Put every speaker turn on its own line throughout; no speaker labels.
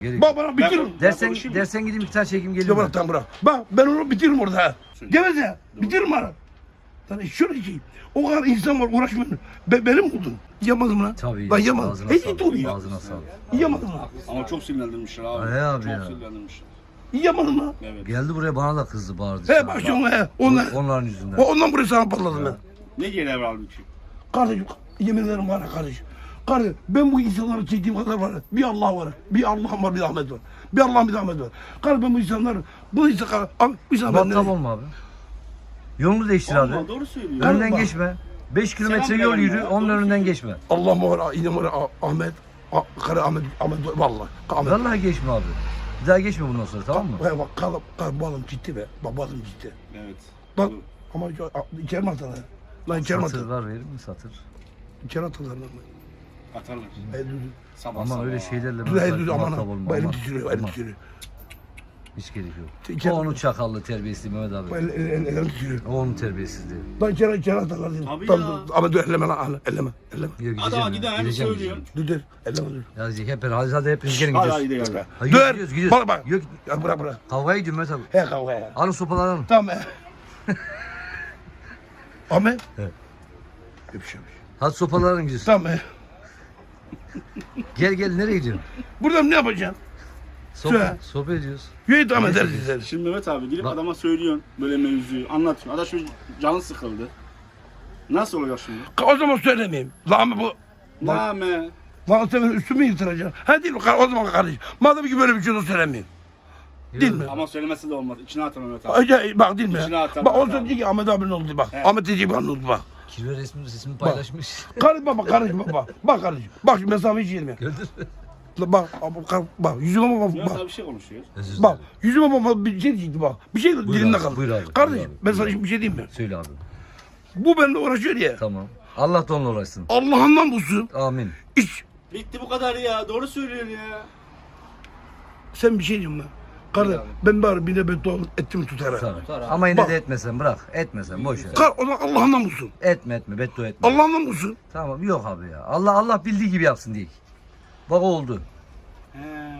Gerek.
Bak bana bitiririm.
Dersen gideyim 2 tane çekim geliyor.
Bırak tamam bırak. Bak ben onu bitiririm orada ha. Geveze. Bitiririm ara. Sana şöyle şey. O kadar insan var uğraşmıyor. Benim oldun. Yamadım lan.
Tabii.
Lan yamadım.
Ağzına
Hiç
sağlık.
oluyor.
Ağzına sağlık.
Yamadım lan.
Ama çok sinirlendirmişler abi.
He abi
çok
ya.
sinirlendirmişler.
Yamadım lan.
Evet.
Geldi buraya bana da kızdı bağırdı.
He bak şu he.
Onların yüzünden.
Ondan buraya sana patladım ben.
Ne gelir abi ki?
Kardeşim yemin ederim var ya kardeşim. Kardeşim ben bu insanları çektiğim kadar var ya. Bir Allah var. Bir Allah'ım var bir Ahmet var. Bir Allah'ım bir Ahmet var. Kardeşim ben bu insanları bu insanlar
Muhatap olma abi. Yolunu değiştir abi.
Olma, doğru söylüyor.
Önünden
Bak.
geçme. 5 kilometre
Selam
yol
verelim
yürü.
ya,
Onun
doğru
önünden
söylüyor.
geçme.
Allah'ım var yine var Ahmet. Karı Ahmet vallahi. Ahmet.
Vallahi geçme abi. Bir daha geçme bundan sonra, tamam mı?
Bak bu adam ciddi be. Bak bu adam ciddi.
Evet.
Bak ama içeri mi atarlar? Lan içeri mi
Satır
atarlar?
var, verir mi satır?
İçeri atarlar lan.
Atarlar.
Düz.
Sabah
Aman
sabah.
öyle şeylerle
Düz aman
muhatap
ha.
olma.
Bu elim
Aman.
titriyor elim
Aman.
titriyor.
Hiç gerek yok.
İçeri-
O onun çakallı terbiyesizliği Mehmet
Bu
abi.
elim titriyor.
O onun terbiyesizliği.
Lan içeri atarlar. Değil.
Tabii
Tamam,
ya.
dur. Ama dur elleme lan. Elleme.
Yok, gideceğim
Adama
ya,
giden hem
gideceğim,
söylüyor.
gideceğim.
Dur dur. Elleme dur.
Ya hadi hepiniz gelin
Hadi
gidiyoruz.
hadi gel.
Hadi
Dur.
gidiyoruz.
Bak.
Yok,
Ya bırak bırak.
kavgaya gidiyorum Mehmet abi.
He kavga ya.
Alın sopaları alın.
Tamam he. Ahmet.
Evet.
Öpüşemiş.
Hadi sopaları alın gidiyoruz.
Tamam he.
Gel nereye gidiyorsun?
Buradan ne yapacaksın? Söyle.
Sohbet ediyoruz.
Yürü tamam
Neyse,
ederiz ederiz.
Şimdi Mehmet abi gidip
Bak.
adama söylüyorsun böyle mevzuyu anlatıyorsun. Adam şu canı sıkıldı. Nasıl olacak şimdi?
O zaman söylemeyeyim. Lan bu.
Name.
Lan sen benim üstümü yırtıracaksın. Ha değil mi? O zaman kardeşim. Madem ki böyle bir şey de söylemeyeyim. Değil mi?
Ama söylemesi de olmaz. İçine atar Mehmet abi.
Bak değil mi?
İçine atar
Bak o
Mehmet
zaman
abi.
diyor ki Ahmet abinin oldu bak.
Evet.
Ahmet diyecek bana oldu bak.
Kirve resmini paylaşmış.
Kardeşim bak kardeşim bak. Bak kardeşim. Bak şu mesafeyi hiç yerim.
Gördün mü?
Bak yüzüme bak.
Mehmet
Bak.
abi bir şey konuşuyor.
Özür
Bak
dilerim.
yüzüme bak bir şey diyecekti bak. Bir şey dilimde
abi,
kaldı.
buyur abi,
Kardeşim
buyur abi,
ben sana
buyur
bir şey diyeyim mi?
Söyle abi.
Bu benimle uğraşıyor ya.
Tamam. Allah da onunla uğraşsın.
Allah'ından bulsun.
Amin.
Hiç.
Bitti bu kadar ya. Doğru söylüyor ya.
Sen bir şey diyorsun lan. Kardeşim ben bari bir de beddua ettim tutar.
Tabii. Ama yine
Bak.
de etmesen, bırak. Etmesen, boş ver.
O zaman Allah'ından bulsun.
Etme, beddua etme.
Allah'ından bulsun.
Tamam, yok abi ya. Allah bildiği gibi yapsın diye. Bak oldu.
He.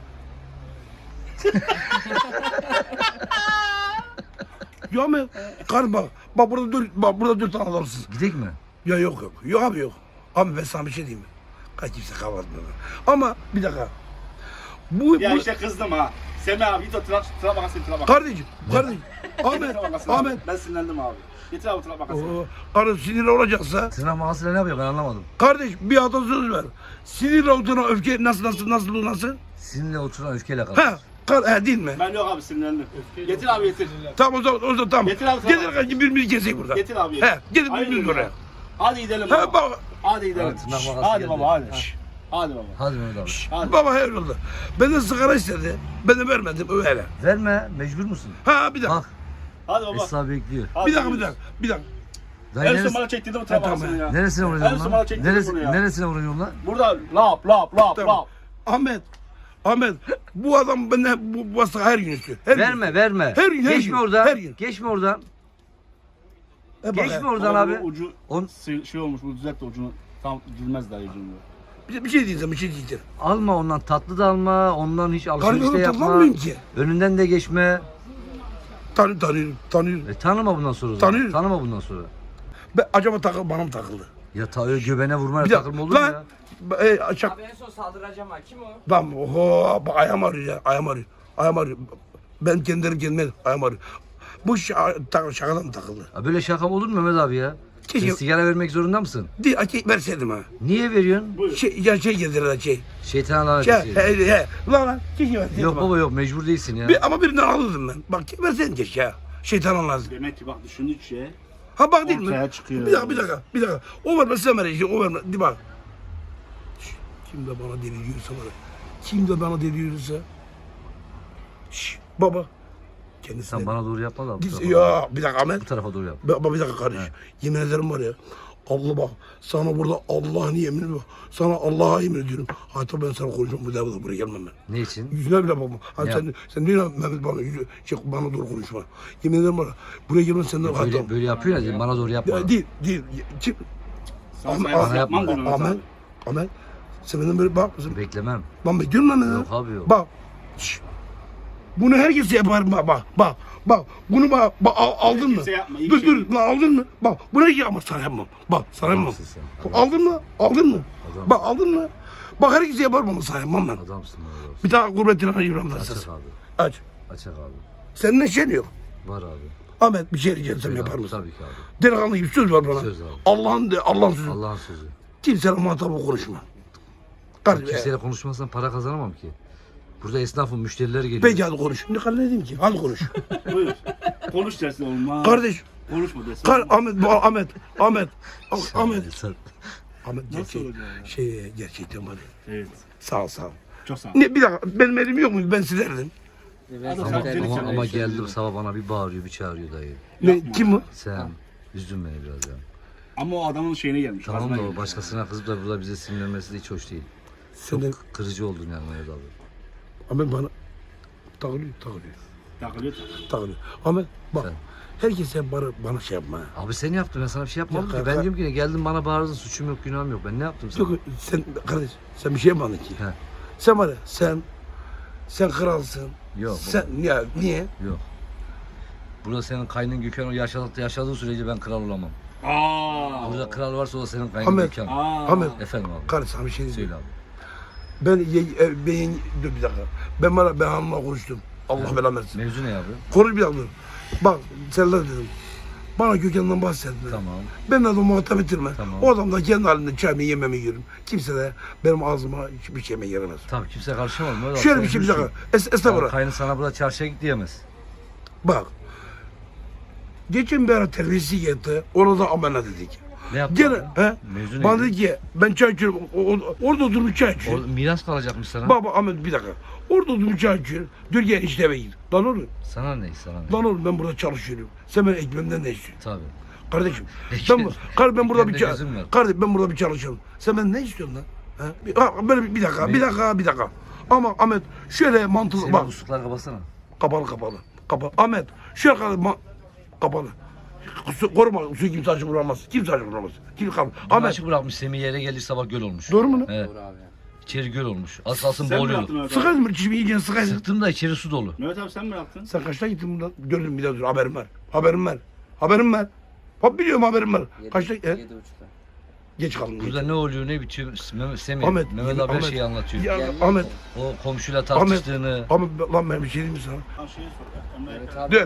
Ya ama kardeşim bak burada dört tane adamsın.
Gidek mi?
Ya yok. Yok abi yok. Abi ben sana bir şey diyeyim mi? Kaç kimse kapatmıyor. Ama bir dakika.
Ya işte kızdım ha. Semih abi git o tıra bakasın tıra bak.
Kardeşim. Ahmet.
Tıra bakasın abi.
Ahmet.
Ben sinirlendim abi. Getir abi tıra bakasın.
Kardeşim sinirli olacaksa.
Tırnak makasıyla ne yapıyor ben anlamadım.
Kardeş bir atasöz ver. Sinirli olduğuna öfke nasıl?
Sizinle oturan öfkeyle kalır.
Değil mi?
Ben yok abi sinirlendim. Getir abi getir.
Tamam o zaman tamam.
Getir abi,
Getir
tamam.
kardeşim birbirimizi kesek burada.
Getir abi.
He getir
Hayır,
birbirimizi oraya.
Hadi gidelim
He
baba.
baba.
Hadi gidelim.
Hadi, tırnak makası
Hadi
geldi.
baba hadi. Hadi baba.
Hadi Mehmet abi.
Hadi.
Baba her yolda. Benden sigara istedi. Ben de vermedim öyle.
Verme, mecbur musun?
Ha bir dakika.
Bak,
Hadi baba.
Esra bekliyor.
Hadi
Bir dakika.
gidiyoruz.
Dayı
En son
neresi,
bana çektirdi bu tıra
Tamam.
bakasını ya.
neresine
En
vuracaksın
son bana
lan?
çektirdin bunu ya.
Neresine vuracaksın lan?
Burada lap.
Tamam. Ahmet bu adam benden bu hasta her gün istiyor. Her gün.
Verme.
Her gün, her
Geçme
gün,
oradan.
her gün.
Geçme oradan.
Bak,
Geçme oradan
Ama
abi.
bu ucu
On-
şey olmuş bu düzelt de ucunu tam düzmez daha ucunu.
Bir şey diyeceğim.
Alma ondan, tatlı da alma. Ondan hiç alışveriş de
Karnını
yapma.
tanımıyorum ki.
Önünden de geçme.
Tanıyorum.
Tanıma bundan sonra.
Tanıyorum.
Tanıma bundan sonra.
Acaba bana mı takıldı?
Ya öyle göbeğine vurmaya
Bir
takılma olur mu ya?
Şak.
Abi en son saldıracağım ha. Kim o?
Tamam. Oho, bak ayağım ağrıyor ya. Ayağım ağrıyor. Ben kendime ayağım ağrıyor. Bu şakadan mı takıldı?
Ya böyle şaka olur mu Mehmet abi ya? Sen
Keşke-
sigara vermek zorunda mısın?
Verseydim ha.
Niye veriyorsun?
Buyur.
Şey getirdiler şey.
Şeytan lanet
Şey,
etsin.
Lan keşke verseydim.
Yok
ha.
baba yok, mecbur değilsin ya.
Ama birinden alırdım ben. Bak verseydin keşke ya. Şeytan lazım.
Demek ki bak düşündükçe
Ha bak değil mi?
ortaya çıkıyor.
Bir dakika. O vermez sen ver işte. O vermez. Di bak. Kim de bana deli diyorsa. Baba. Kendisine.
Sen bana doğru yapma da. bu tarafa doğru.
Ya bir dakika Ahmet.
Bu tarafa doğru yap.
Baba bir dakika kardeş. Yemin ederim var ya. Allah bak. Sana burada Allah'ın yemin bak. Sana Allah'a yemin ediyorum. Hatta ben sana konuşmam. Bu defa buraya gelmem ben.
Ne için?
Yüzüne bile bakma. Hani
Ya.
sen diyor ya Mehmet bana doğru konuşma. Yemin ederim var ya. Buraya gelmem senden hatta.
Böyle yapıyor ya, bana doğru yapma.
Değil. Kim?
Sana
Ahmet,
saygısız yapmam
yapma.
diyorum Mehmet abi.
Ahmet, Sen benden böyle bak mısın?
Beklemem.
Lan bekliyorum lan.
Yok abi yok.
Bak. Şşş. Bunu herkes yapar bak. Bunu aldın mı?
Kimse yapma, iyi
Dur
şey.
dur lan aldın mı? Bak bunu herkes yapmaz sana yapmam. Bak sana yapmam.
Adamsın sen.
Aldın mı? Aldın mı?
Adam.
Bak aldın mı? Bak herkes yapar ama sana yapmam ben.
Adamsın abi.
Bir tane gurbetine ayırmam
Açak
sen.
abi.
Aç.
Açak abi.
Senin ne şeyin yok.
Var abi.
Ahmet bir şey rica etsem
Söyle
yapar
abi,
mısın?
Tabii ki abi.
Delikanlı gibi söz ver bana.
Söz abi.
Allah'ın sözü.
Allah'ın sözü.
Kimsenin muhatabı konuşma. Kardeşim.
Kimseyle konuşmazsan para kazanamam ki. Burada esnafın müşterileri geliyor.
Peki hadi konuş. Ne kadar ne diyeyim ki? Hadi konuş.
Buyur. Konuş dersin olmaz.
Kardeş.
Konuşma dersin.
Ahmet. Ahmet
Sen-
Nasıl olacak ya?
Gerçekten var ya.
Evet.
Sağ ol.
Çok sağ ol.
Ne bir dakika benim elim yok muydu ben silerdim.
Ama geldim sabah bana bir bağırıyor bir çağırıyor dayı.
Ne kim bu?
Sen üzdün beni biraz ya.
Ama o adamın şeyine gelmiş.
Tamam
gazına
da o
gelmiş.
başkasına kızıp da burada bize sinirlenmesi de hiç hoş değil.
Senden
Kırıcı oldun yani Mehmet abi.
Ahmet bana takılıyor.
Takılıyor.
Ahmet bak
Sen.
herkes sen bana şey yapma.
Abi sen yaptın ben sana bir şey yapmadım
Ya
ki. Ben diyorum ki ne geldin bana bağırdın suçum yok günahım yok. Ben ne yaptım sana?
Yok sen kardeş sen bir şey yapmadın ki.
He.
Sen var ya sen kralsın.
Yok
Sen ya niye?
yok. Burada senin kaynın Gökhan o yaşadığı sürece ben kral olamam. Burada kral varsa o da senin kaynın
Ahmet.
Gökhan.
Ahmet
Efendim abi.
kardeş sana bir şey diyeyim.
Söyle abi.
Dur bir dakika. Ben hanımla konuştum. Allah belanı versin.
Mevzu ne abi?
Konuş bir dakika dur. Bak Serdar dedim. Bana Gökhan'dan bahsetme.
Tamam.
Ben de adamı muhatap ettirme.
Tamam.
O adam da kendi halinde çayımı yememi yiyorum. Kimse de benim ağzıma hiçbir şeyime giremez.
Tabii kimse karışamaz. Mehmet abi,
Şöyle
sen
bir şey bir
üzülsün.
dakika.
Yani
Estağfurullah.
kaynın sana burada çarşıya git diyemez.
Bak. Geçen bir ara terbiyesi geldi. Ona da amena dedik.
Ne yaptın?
Gene
abi?
he?
Mevzu
Bana
neydi?
dedi ki ben çay içiyorum. Orada oturup çay içiyorum.
Orada miras kalacakmış sana.
Baba Ahmet bir dakika. Orada oturup çay içiyorum. Diyor gel işte eve gir. Lan oğlum.
Sana ne? Sana ne?
Lan oğlum ben burada çalışıyorum. Sen benim ekmeğimden ne istiyorsun?
Tabii.
Kardeşim
Ekmek-
ben burada bir
ekmeğimde gözüm var.
kardeşim ben burada bir çalışıyorum. Sen ben ne istiyorsun lan? Böyle bir dakika. Ama Ahmet şöyle mantıklı
Senin
bak.
muslukları kapatsana.
Kapalı. Ahmet şöyle kapalı. Koruma su kimse açık vuramaz. Kimse vuramaz.
Ahmet.
Ahmet
Açık bırakmış Semih yere geldi sabah göl olmuş.
doğru mu lan?
Evet. İçeri göl olmuş. Az kalsın
Sen mi
boğuluyordu.
yaptın Mehmet abi?
Sıkaydın mı? Çişimi yiyeceksin sıkaydın.
Sıktım da içeri su dolu.
Mehmet abi sen mi yaptın?
Sen kaçta gittin bundan? Gördüm bir daha dur haberim var. Bak biliyorum haberim var. Kaçta?
7.30'da.
Geç kaldım.
Burada ne oluyor ne bitiyor Semih.
Ahmet,
Mehmet abi her
Ahmet.
şeyi anlatıyor.
Ya
Geldi.
Ahmet.
O komşuyla tartıştığını.
Ahmet lan ben bir şey diyeyim mi sana?
Ha şeyi sor.
Evet abi.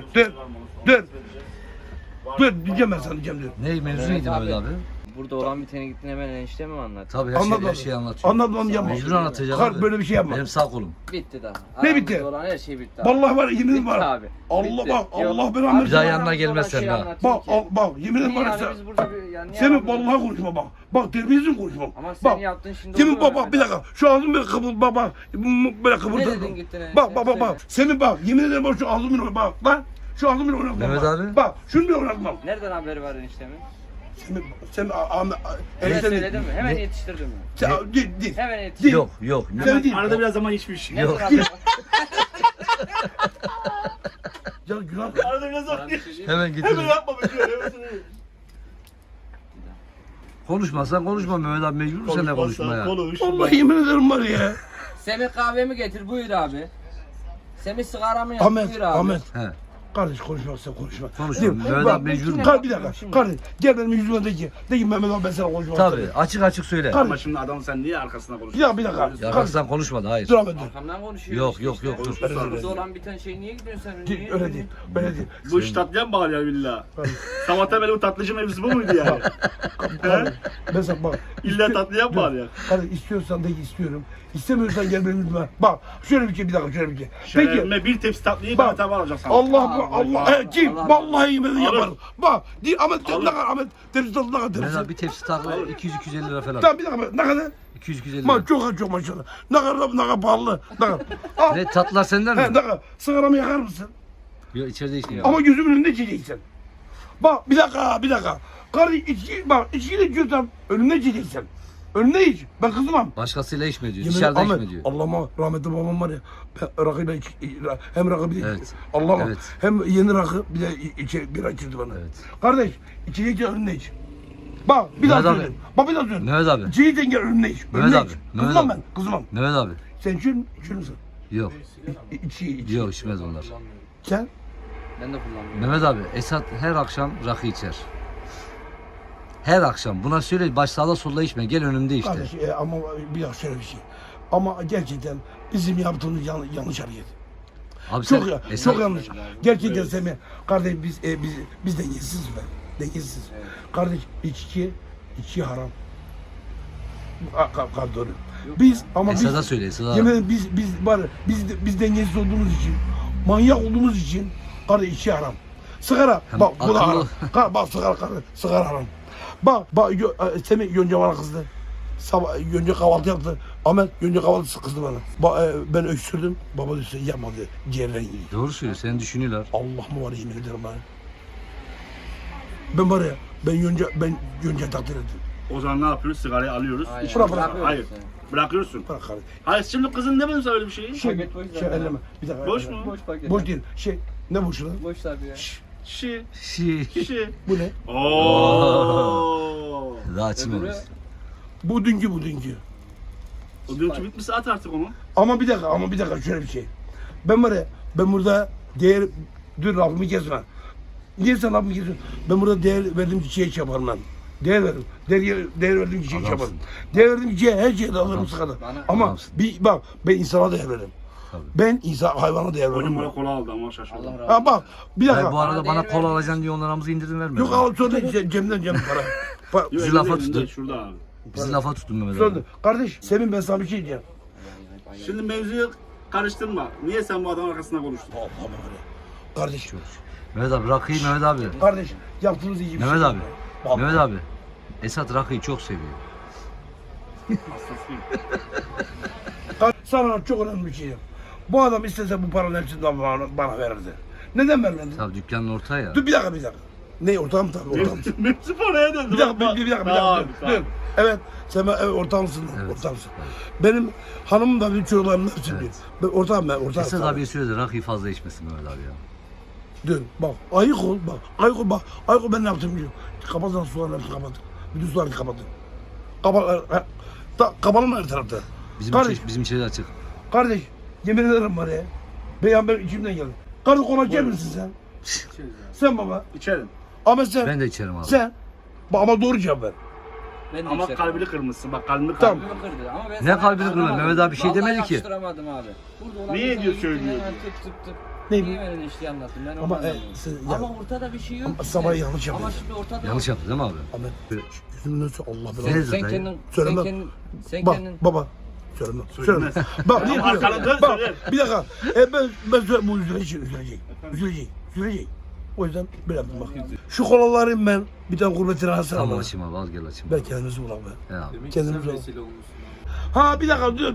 Dur diyeceğim ben sana diyeceğim dur.
Ne mevzu
Evet
neydi Mehmet
abi.
abi?
Burada olan biteni gittin hemen enişte mi anlattın?
Tabii
Anladım.
her şeyi anlatıyor.
Anladım yapma.
Mecbur anlatacak
Kar
abi.
böyle bir şey yapma.
Benim sağ kolum.
Bitti daha.
Ne
Aramızda
bitti?
olan her şey bitti abi.
Vallahi var yemin ederim
Bitti
var.
abi.
Allah
Bitti.
bak
Yok.
Allah
Abi,
belanı
Bir daha
versin.
yanına
aramızda
gelmez
olan
sen
şeyi
daha.
anlatayım
Bak
ki.
bak yemin ederim
Niye
var
yani
sen.
biz burada bir yani niye
Senin
aramızda-
vallahi konuşma bak. Bak terbiyesiz konuşma.
Ama sen
Bak.
yaptın şimdi
Senin
oluyor
bak bir dakika. Şu ağzın böyle kıvır bak böyle kıvırdı.
Ne dedin gittin enişte?
Bak. Senin bak yemin ederim bak şu ağzımı oyna bak lan. Şu ağzımı oynatma.
Mehmet
bak.
abi.
Bak şunu bir oynatmam.
Nereden haberi var eniştemin?
Sen
Hemen
enişte
söyledin mi? Hemen
Ne?
yetiştirdin mi?
Değil.
Hemen yetiştirdin.
Yok.
Sen değil.
Arada biraz zaman geçmiş.
Nereden
Yok.
haberi var?
Ya günah.
Arada biraz zaman geçmiş.
Hemen getirin.
yapma be diyor.
Konuşmazsan konuşma Mehmet abi mecbur seninle konuşmaya.
Konuş.
Vallahi yemin ederim var ya.
Semih kahvemi getir buyur abi. Semih sigaramı yak buyur abi.
Ahmet.
He.
Kardeş konuşmazsa konuşma.
Konuşma.
Değil mi?
Mehmet
Bak,
abi mecbur mu?
Bir dakika. Kardeş gel benim yüzüme de ki. De ki Mehmet abi ben sana konuşmam.
Tabii açık söyle.
Kardeş.
Ama şimdi adam sen niye arkasına konuşuyorsun?
Bir dakika.
Ya
Kardeş.
Arkasından konuşmadı hayır.
Dur Ahmet dur.
Arkamdan konuşuyor.
Yok dur.
Burada olan biten şey niye gidiyorsun sen? Niye
Öyle değil. Öyle değil.
Bu iş tatlıya mı bağlı ya billah? Sabahtan beri bu tatlıcı mevzusu bu muydu yani?
Kardeş, ben sana bak.
İlla tatlıya mı bağlı ya?
Kardeş istiyorsan de ki istiyorum. İstemiyorsan gel benim yüzüme. Bak şöyle bir şey bir dakika şöyle bir şey. Peki.
Şerefime bir tepsi tatlıyı
Bak.
Mehmet abi alacak sana.
Allah kim?
Allah.
Vallahi yemin
Alır.
yaparım. Bak Ahmet
Alır.
ne kadar Ahmet tepsi tatlı ne kadar
Mehmet
tepsi.
abi bir tepsi tatlı 200-250 lira falan.
Tamam bir dakika ne kadar?
200-250
Ma
lira.
çok maşallah. Ne kadar pahalı. Ne kadar? Al.
Ne tatlılar senden
He,
mi?
ne kadar? Sigaramı yakar mısın?
Yok içeride içmiyor.
Ama gözümün önünde içeceksin. Bak bir dakika. Kardeş içki de içiyorsan önümde içeceksin. Önümde iç. Ben kızmam.
Başkasıyla içme diyor.
Yemin
Dışarıda
Ahmet,
içme diyor.
Allah'ıma rahmetli babam var ya. Rakıyla hem rakı bir de
Evet.
Allah'ıma
Evet.
hem yeni rakı bir de bira içirdi bana.
Evet.
Kardeş içeceksen önünde iç. Bak bir daha
Mehmet abi.
söyleyeyim. Bak bir daha söyleyeyim.
Mehmet abi.
Çiğden gel önüne iç.
Mehmet
Önüne
abi,
iç.
Mehmet
Kızmam
abi.
ben. Kızmam.
Mehmet abi.
Sen içiyor musun?
Yok.
İçi.
Yok içmez onlar.
Sen?
Ben de kullanmıyorum.
Mehmet abi Esat her akşam rakı içer. Her akşam. Buna söyle baş sağda solda içme. Gel önümde işte.
Kardeş ama bir dakika şöyle bir şey. Ama gerçekten bizim yaptığımız yanlış hareket.
Abi
Çok
sen
ya,
Esat,
çok yanlış. Gerçekten Semih, kardeş biz dengesiziz be. Dengesiziz. Kardeş içki haram. Doğru. Biz ama
Esat'a
biz
söyle Esat'a.
yemin ederim biz dengesiz olduğumuz için, manyak olduğumuz için kardeş içki haram. Sigara
Hem
bak bu da
akıllı-
haram. Bak sigara kardeş, sigara haram. Bak Semih Yonca bana kızdı. Sabah Yonca kahvaltı yaptı. Ahmet Yonca kahvaltısı kızdı bana. Ben öksürdüm. Baba dedi yapmadı. Ciğerden yiyor.
Doğru söylüyor. Seni düşünüyorlar.
Allah mı var yemin ederim ben. Ben var ya ben Yonca takdir ettim.
O zaman ne yapıyoruz? Sigarayı alıyoruz.
Hayır.
Bırak.
Bırakıyoruz
Hayır.
seni.
Bırakıyorsun.
Bırak kardeş.
Hayır şimdi kızın demedin öyle bir şeyi.
Paket boş zaten.
Elleme. Bir dakika.
Boş
elleme.
mu?
Boş paket.
Boş değil. Ne boşu lan?
Boş tabii ya.
Şişi.
Şi.
Şişi.
Bu ne?
Ooo.
Daha açmamış.
Bu dünkü.
O diyorki bitmişse at artık onu.
Ama bir dakika şöyle bir şey. Ben var ya ben burada dur lafımı kesme. Niye sen lafımı kesiyorsun? Ben burada değer verdiğim çiçeğe iş yaparım ben. Değer veririm. Değer verdiğim çiçeğe iş
Adamsın.
yaparım. Değer verdiğim çiçeğe her şeye de alırım
Adamsın.
sıkada.
Bana-
Ama
Adamsın.
bak ben insana değer veririm.
Tabii.
Ben hayvana değer
Hocam
veririm.
bana kola aldı ama şaşırdım.
Allah razı
Ha bak bir dakika.
Hayır, bu arada
Bana
bana
değer
kola
vermiyor.
alacaksın diye onlarımızı indirim verme.
Yok al sonra cemden para.
Yok,
Bizi
elinde,
lafa
elinde,
tutun.
Şurada abi.
Bizi lafa tutun Mehmet
Sonra
abi.
kardeş Semin ben sana bir şey diyeceğim.
Şimdi mevzuyu karıştırma. Niye sen bu adamın arkasında konuştun?
Allah Allah. Kardeş.
Mehmet abi rakıyı Mehmet abi.
Kardeş yaptığınız iyi bir
Mehmet
şey.
abi.
Bak.
Mehmet abi. Esat rakıyı çok seviyor.
Hastasıyım.
Sana çok önemli bir şey diyeyim. Bu adam istese bu paranın hepsini bana verirdi. Neden vermedi?
Tabii dükkanın orta ya.
Dur bir dakika. Ne ortağım tabii ortağım.
Mevzu paraya döndü.
Bir dakika.
Tamam,
Dur. Evet. Sen ortağımsın.
Evet.
Ortağımsın. Benim hanımım da benim çocuklarım da hepsi biliyor. Ben ortağım.
Esat abiye söyle de rakıyı fazla içmesin Mehmet abi ya.
Dur bak. Ayık ol. Ayık ol ben ne yaptım biliyorum. Kapatın sularını hepsini kapatın. Bütün sularını kapatın. Kapalım her tarafta.
Bizim içeri açık.
Kardeş yemin ederim var ya. Ben içimden geldi. Kardeş konak yer misin sen? Sen baba.
İçerim.
Ama sen.
Ben de içerim abi.
Sen. Ama doğru cevap ver.
Ben de
Ama
işte
kalbini kırmışsın. Bak kalbini
Tamam.
kırmış.
kalbimi kırdı. Ama ben
Ne
sana
kalbini kırdı?
anlamadım.
Mehmet abi bir şey
Vallahi
demedi ki.
yakıştıramadım abi. Burada olan
Niye
bir
diyor
tane
söylüyor?
gittin hemen tık.
Ne
Niye
bu?
böyle işte anlattın ben
Ama,
onu anlamıyorum.
ya-
Ama ortada bir şey yok.
Ama sabah yanlış
Ama
yapıyorsun.
şimdi ortada
Yanlış yaptı değil mi abi?
Ahmet. Yüzümün önüne Allah
Sen-
belanı.
Sen
Dayı.
kendin,
Söylemem.
sen
Bak
kendin.
baba. Söylemem.
Söylemez.
Bak niye
Ama arkadan dön,
Bak
söyler.
bir dakika. Ben söyle bu üzülecek. O yüzden böyle yaptım bak. Şu kolaları ben bir tane gurbetine hasar
Tamam
alırım.
açayım abi al gel açayım.
Ben kendimizi bulalım be.
He abi.
Kendimizi bulalım. Ha bir dakika dur.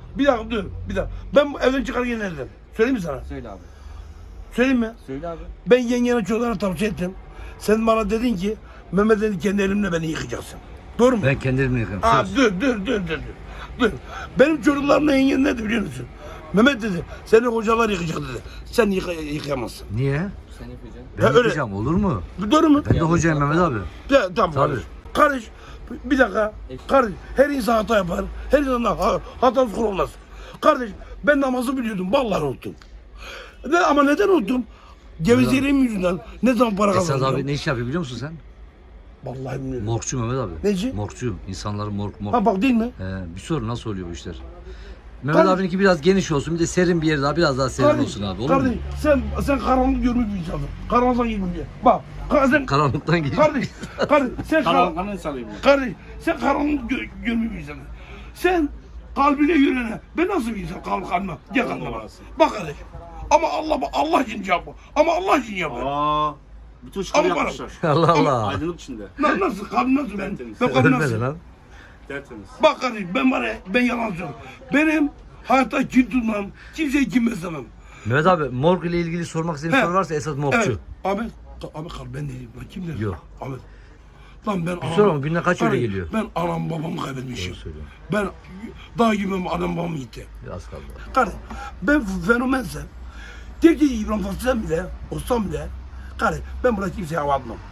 Ben bu evden çıkarken nereden? Söyleyeyim mi sana?
Söyle abi.
Söyleyeyim mi?
Söyle abi.
Ben yengene çocuklara tavsiye ettim. Sen bana dedin ki Mehmet dedi kendi elimle beni yıkacaksın. Doğru mu?
Ben kendi elimle yıkarım.
Aa,
Söz.
dur. Benim çocuklarımla yengen ne dedi biliyor musun? Mehmet dedi seni hocalar yıkayacak dedi. Sen yıkayamazsın.
Niye?
Sen yapacaksın.
Ben
Ya öyle.
yapacağım olur mu?
Doğru mu?
Ben de hocayım Mehmet abi.
Ya, tamam
Tabii.
kardeş. Kardeş bir dakika. Kardeş her insan hata yapar. Her insan hatası kul olmaz. Kardeş ben namazı biliyordum. Vallahi unuttum. Ama neden unuttum? Gevezeliğim yüzünden. Ne zaman para
Esat
kazanacağım?
abi ne iş yapıyor biliyor musun sen?
Vallahi bilmiyorum.
Morgçu Mehmet abi.
Neci?
Morgçu. İnsanların morg.
Ha bak değil mi?
Bir soru nasıl oluyor bu işler? Mehmet
Kardeş-
abininki biraz geniş olsun bir de serin bir yer daha biraz daha serin olsun abi olur
kardeş,
mu?
sen karanlık görmüş bir insansın. Karanlıktan girmiş diye. Bak. Sen,
Karanlıktan geç.
kardeş sen
Karanlıktan insanıyım ya.
kardeş sen karanlık görmüş bir insansın. Sen kalbine yürene. Ben nasıl bir insan kalbime? Gel kalbime bak. Bak kardeş. Ama Allah için yap. Ama Allah için yap.
Aa, bütün şıkları
Ama
yapmışlar.
Allah Allah.
Aydınlık içinde.
Nasıl kalbim nasıl ben?
Tertemiz.
Ben kalbim
Ölmedi
nasıl?
lan.
Tertemiz.
Bak kardeş ben var ya ben yalan söylüyorum. Benim hayatta kin tutmam. Kimseyi kim beslemem.
Mehmet abi morg ile ilgili sormak istediğin
He.
soru varsa Esat morgçu.
Evet. Ahmet kal ben değilim. Ben kim dedim?
Yok.
Ahmet. Lan ben
sor ama günde kaç öyle
Kardeş,
geliyor?
Ben anam babamı kaybetmişim.
Doğru söylüyorsun.
Ben dağ gibi anam babam gitti.
Biraz kaldı.
Kardeş ben fenomensem. Tek İbrahim Tatlıses'm bile olsam bile kardeş ben burada kimseye hava atmam.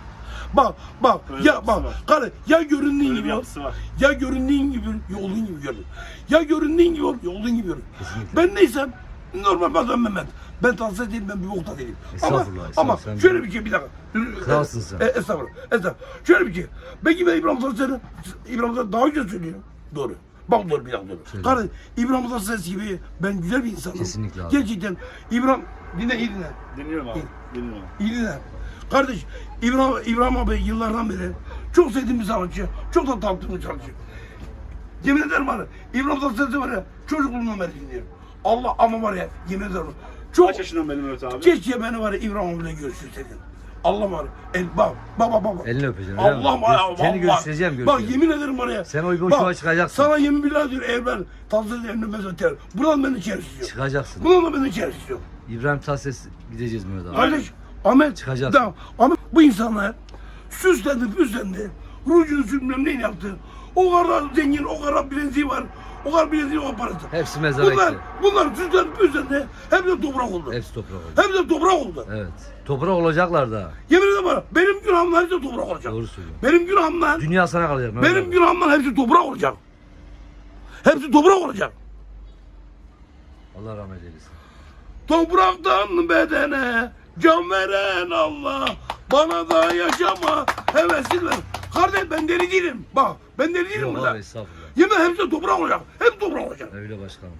Bak
Öyle
ya
yapısı
bak
var.
kardeş ya göründüğün
Öyle bir
gibi ol.
yapısı var.
Ya göründüğün gibi yolun gibi görün. Ya göründüğün gibi ol, yolun gibi görün.
Kesinlikle.
Ben neysem normal adam Mehmet. Ben tavsiye değilim, ben bir bokta değilim. Ama
Sen
şöyle bir şey, bir dakika.
Kralsın sen.
Estağfurullah. Şöyle bir şey. Belki ben İbrahim Tatlıses'i daha önce söylüyorum. Doğru. Bak doğru, bir dakika doğru.
Söyle.
Kardeş İbrahim Tatlıses gibi ben güzel bir insanım.
Kesinlikle abi.
Gerçekten İbrahim, iyi dinle.
Dinliyorum abi. Dinliyorum.
İyi dinle. Kardeş İbrahim abi yıllardan beri çok sevdiğim bir sanatçı. Çok da tanıttığım bir sanatçı. Yemin ederim var ya, İbrahim Tatlıses'i var ya, çocukluğumdan beri dinliyorum. Allah ama var ya, yemin ederim. Çok
Kaç yaşından benim Mehmet abi?
keşke beni var ya İbrahim abiyle görüştürseydin. Allah var ya, bak.
Elini öpeceğim. öyle mi?
Allah var ya,
Seni
vallahi.
görüşeceğim.
Bak yemin ederim var ya.
Sen o boşluğa
bak,
çıkacaksın.
Sana yemin billah diyor, eğer ben Tatlıses'i eline mezeterim. Buradan beni içeri istiyor.
Çıkacaksın.
Buradan da beni içeri istiyor.
İbrahim Tatlıses gideceğiz Mehmet abi.
Kardeş, Ahmet,
Çıkacağız.
Tamam, Ahmet, bu insanlar süslendi, püslendi, rujunu sürmem neyini yaptı. O kadar zengin, o kadar bileziği var, o kadar bileziği, o parası.
Hepsi mezara gitti.
Bunlar süslendi, püslendi, hep de toprak oldu.
Hepsi toprak oldu.
Hep de toprak oldu.
Evet. Toprak olacaklar da.
Yemin ederim bana, benim günahımdan hepsi toprak olacak.
Doğru söylüyorsun.
Benim günahımdan,
Dünya sana kalacak Mehmet
benim
abi.
günahımdan hepsi toprak olacak. Hepsi toprak olacak.
Allah rahmet eylesin.
Topraktan bedene can veren Allah, bana da yaşama hevesin ver. Kardeş ben deli değilim. Bak ben deli değilim
Yok
burada.
abi estağfurullah.
Yemin hepsi toprak olacak. Hep toprak olacak.
Öyle başkanım.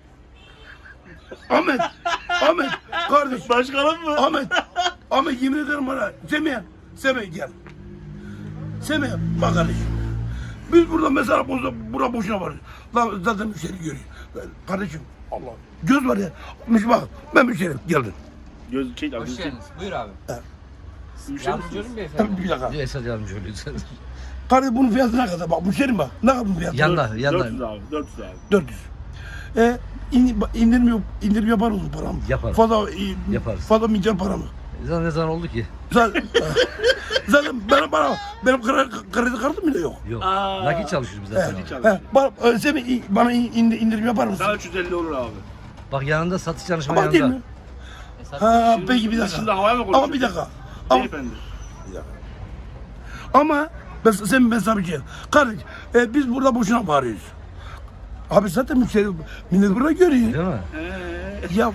Ahmet kardeş.
Başkanım mı?
Ahmet yemin ederim bana. Semih gel. Semih bak kardeşim. Biz burada mesela bura boşuna varız. Lan zaten müşteri görüyor. Kardeşim Allah. Göz var ya. Bak ben müşterim. Geldin.
Göz çek abi.
Hoş geldiniz. Buyur abi.
Müşteri
Yardımcı
misiniz?
olun beyefendi.
Bir dakika.
Bir Esad yardımcı oluyor sen.
Kardeş bunun fiyatı ne kadar? Bak müşterim bak. Ne kadar bunun fiyatı?
Yanda
400
yanda.
abi. 400 abi.
400. İndirim yapar mısın param?
Yaparım. Yaparız.
Fazla milyar para mı?
Ne zaman oldu ki?
Zaten benim kredi kartım bile yok.
Yok.
Aa.
Nakit çalışıyoruz biz zaten.
Nakit
abi.
çalışıyoruz.
Sen bana indirim yapar mısın?
Sana 350 olur abi.
Bak yanında satış çalışma
Ama değil
yanında.
mi? Ha peki bir
Şimdi
dakika.
havaya mı konuşuyorsun?
Ama bir dakika. Ama,
Beyefendi.
ama ben sana bir şey. Kardeş biz burada boşuna bağırıyoruz. Abi zaten müşteri millet burada görüyor.
Değil mi?
Ya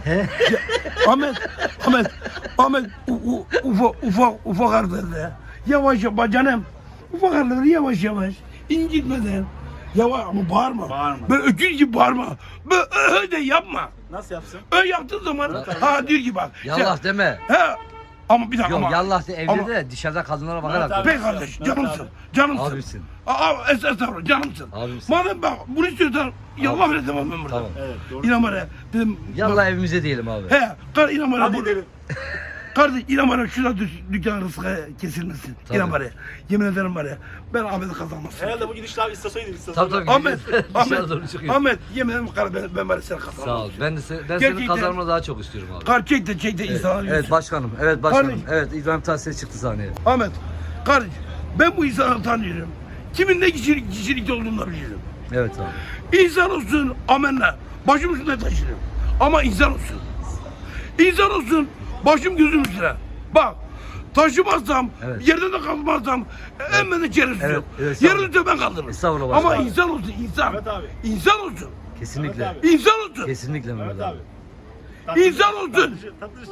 Ahmet ufak harflerle yavaş yavaş canım ufak harflerle yavaş incitmeden yavaş ama bağırma.
Bağırma.
Böyle öküz gibi bağırma. Böyle de yapma.
Nasıl yapsın?
Öyle yaptığın zaman diyor ki bak.
Yallah deme.
He ama bir dakika
Yok
ama.
yallah de evde
ama-
de dışarıda kadınlara
Mehmet
bakarak.
abi.
konuş.
Bey kardeş
Mehmet
canımsın.
abi.
Canımsın.
Abisin.
Estağfurullah canımsın.
Abimsin.
Madem bak bunu istiyorsan yallah bile demem ben burada.
Tamam.
Evet doğru.
İnan bana dedim.
Yallah evimize diyelim abi.
He inan bana.
Hadi gidelim.
Kardeş inan bana şurada dükkan rızkı kesilmesin.
Tabii.
İnan bana. Yemin ederim bana. Ben Ahmet'i kazanmasın.
Herhalde bu gidişle abi istasyona gidin.
Tabii tabii.
Ahmet,
Dışarı doğru çıkıyor.
Ahmet yemin ederim kardeş ben bana seni kazanmasın.
Sağ ol. Ben senin
Gerçekten-
kazanmanı daha çok istiyorum abi.
Çek de insanlar
Evet
yürüsün.
başkanım. Evet başkanım.
Kardeşim.
Evet İbrahim Tatlıses çıktı sahneye.
Ahmet kardeş ben bu insanı tanıyorum. Kimin ne kişilikte olduğunu da biliyorum.
Evet abi.
İnsan olsun amenna. Başım üstünde taşırım. Ama insan olsun. İnsan olsun başım gözüm üstüne. Bak taşımazsam,
Evet.
yerden de kalmazsam en beni içeri tutuyor.
evet,
Yerin üstüne ben kaldırırım.
Estağfurullah
Ama
başkanım.
insan olsun insan.
Evet abi.
İnsan olsun.
Kesinlikle.
Evet abi.
İnsan olsun.
Kesinlikle Mehmet
Mehmet
abi.
abi.
İnsan olsun.
Tatlıcı.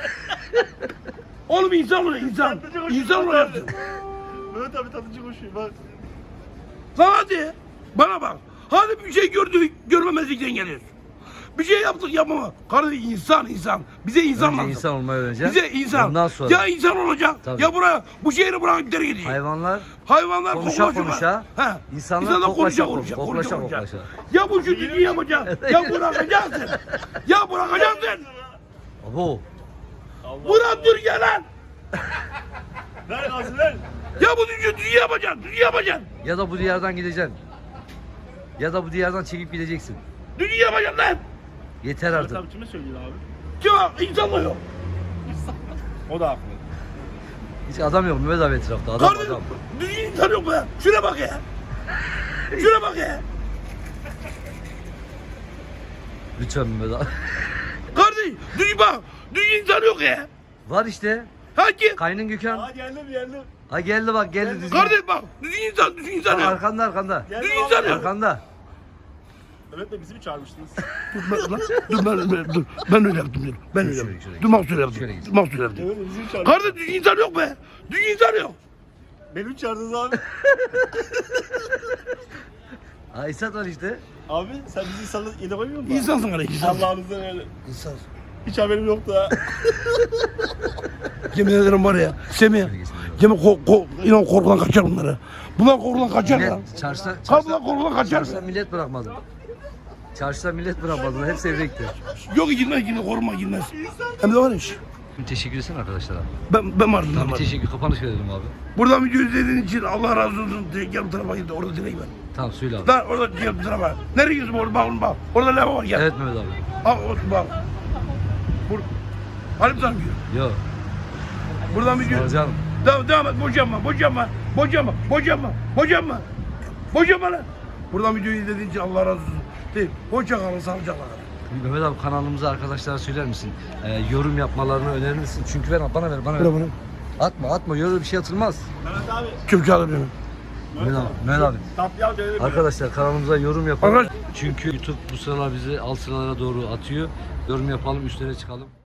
Oğlum insan ol insan.
Tatlıcı koşuyor.
İnsan olacaksın.
Mehmet abi tatlıcı koşuyor bak.
Lan hadi. Bana bak. Hadi bir şey gördük görmemezlikten geliyoruz. Bir şey yaptık yapmama. Kardeş insan. Bize insan
Önce
lazım.
insan olmayı öğreneceğim.
Bize insan.
Ondan sonra
Ya insan olacak.
Tabii.
Ya buraya bu şehri bırakıp geri gidecek.
hayvanlar
Hayvanlar
konuşa konuşa, insanlar koklaşa koklaşa.
Ya bu çocuğu yapacak. Ya bırakacaksın. Ya bırakacaksın.
Abo.
Bırak Türkiye lan.
Ver gazı ver.
Ya bu çocuğu yapacaksın.
Ya da bu diyardan gideceksin. Ya da bu diyardan çekip gideceksin.
Düzgün yapacaksın lan.
Yeter
Mehmet
artık.
abi kime söylüyor abi?
Kim insan mı yok?
O da haklı.
Hiç adam yok Mehmet abi etrafta. Adam
Kardeşim
adam.
düzgün insan yok be. Şuna bak ya. Şuna bak ya.
Lütfen Mehmet abi.
Kardeş düzgün bak. Düzgün insan yok ya.
Var işte.
Hangi?
Kaynın Gökhan.
Geldim.
Ha geldi bak geldi. Düzgün.
Kardeş bak. Düzgün insan
Bak,
yok.
arkanda.
Düzgün insan yok.
Arkanda.
Evet de bizi mi çağırmıştınız?
Dur. Ben öyle yaptım. Ben öyle
Şöyle,
yaptım.
şöyle.
Dur mahsul yaptım.
Şöyle git.
Mahsul yaptım.
Evet bizi mi çağırmıştınız?
Kardeş düzgün insan yok be. Düzgün insan yok.
Beni mi çağırdınız abi?
Aysat var işte.
Abi sen bizi insanla yine koymuyor musun?
İnsansın kardeş. İnsansın.
Allah'ınızdan öyle.
İnsansın.
Hiç haberim yoktu ha.
Yemin ederim var ya. Semih. Yemin inan korkudan kaçar bunları. Bunlar korkudan kaçar ya.
Millet çarşıda
Bunlar korkudan kaçar.
çarşıda millet bırakmadı. Çarşıda millet bırakmadı. Hepsi evde gitti.
Yok gitmez korkma gitmez. Hem de var iş.
Teşekkür etsene arkadaşlara.
Ben vardım.
Tamam bir teşekkür kapanış verelim abi.
Buradan video izlediğin için Allah razı olsun. Gel bu tarafa git. Orada direkt var.
Tamam söyle abi.
Lan orada gel bu tarafa. Nereye gidiyorsun orada? Bak oğlum bak. Orada lava var gel.
Evet Mehmet abi.
Al olsun bak. Halim sana gidiyor.
Yok.
Buradan video.
Alacağım.
Devam et. Boşanma lan. Buradan videoyu izlediğin için Allah razı olsun. Değil. Hoşça kalın. Sağlıcakla kalın.
Mehmet abi kanalımıza arkadaşlara söyler misin? Yorum yapmalarını önerir misin? Çünkü bana ver.
Bırak.
Atma. Öyle bir şey atılmaz.
Mehmet abi.
Çöpçü alır beni.
Mehmet abi.
Tatlı al gelelim.
Arkadaşlar kanalımıza yorum yapın.
Arkadaş-
Çünkü YouTube bu sıralar bizi alt sıralara doğru atıyor. Yorum yapalım, üstlere çıkalım.